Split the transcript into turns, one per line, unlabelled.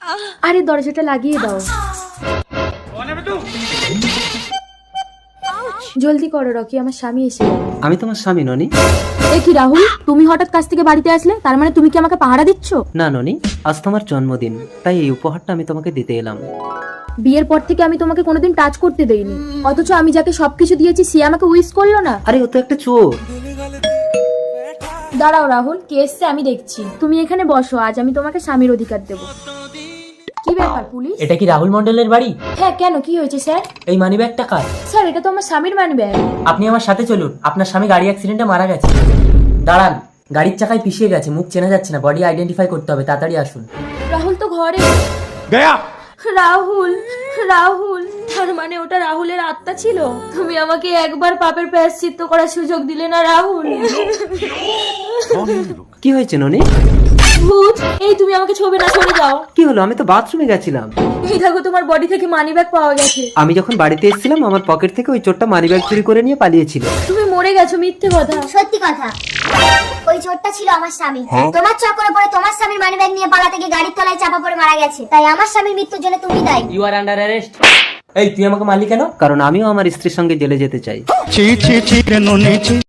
আরে দরজাটা লাগিয়ে দাও। জলদি করো রকি, আমার স্বামী এসে যাবে।
আমি তোমার স্বামী ননি।
এ কি রাহুল, তুমি হঠাৎ কাছ থেকে বাড়িতে আসলে? তার মানে তুমি কি আমাকে পাহারা দিচ্ছ?
না ননি, আজ তোমার জন্মদিন, তাই এই উপহারটা আমি তোমাকে দিতে এলাম।
বিয়ের পর থেকে আমি তোমাকে কোনোদিন টাচ করতে দেইনি, অথচ আমি যাকে সবকিছু দিয়েছি সে আমাকে উইশ করলো না।
আরে ও তো একটা চোর।
দাঁড়াও রাহুল, কে এসছে আমি দেখছি। তুমি এখানে বসো, আজ আমি তোমাকে স্বামীর অধিকার দেব। কি ব্যাপার পুলিশ?
এটা কি রাহুল মন্ডলের বাড়ি?
হ্যাঁ, কেন কি হয়েছে স্যার?
এই মানিব্যাগটা কার?
স্যার, এটা তো আমার স্বামীর মানিব্যাগ।
আপনি আমার সাথে চলুন, আপনার স্বামী গাড়ি অ্যাক্সিডেন্টে মারা গেছে। দাঁড়ান, গাড়ির চাকায় পিছিয়ে গেছে, মুখ চেনা যাচ্ছে না, বডি আইডেন্টিফাই করতে হবে, তাড়াতাড়ি আসুন।
রাহুল তো ঘরে। রাহুল, রাহুল, তার মানে ওটা রাহুলের আত্মা ছিল? তুমি আমাকে একবার পাপের প্রায়শ্চিত্ত করার সুযোগ দিলে না রাহুল।
কি হয়েছে ননি?
ভূত, এই তুমি আমাকে ছবে না, সরে যাও।
কি হলো? আমি তো বাথরুমে গেছিলাম।
এই দেখো, তোমার বডি থেকে মানিব্যাগ পাওয়া গেছে।
আমি যখন বাড়িতে এসেছিলাম আমার পকেট থেকে ওই চোরটা মানিব্যাগ চুরি করে নিয়ে পালিয়েছিল।
তুমি মরে গেছো, মিথ্যে কথা।
সত্যি কথা, ওই চোরটা ছিল আমার স্বামী। তোমার চক্করে পড়ে তোমার স্বামীর মানিব্যাগ নিয়ে পালাতে গিয়ে গাড়ির তলায় চাপা পড়ে মারা গেছে, তাই আমার স্বামীর মৃত্যুর জন্য তুমি দায়ী।
You are under arrest. এই তুই আমাকে মারলি কেন?
কারণ আমিও আমার স্ত্রীর সঙ্গে জেলে যেতে চাই।
ছি ছি ছি কেন নেছি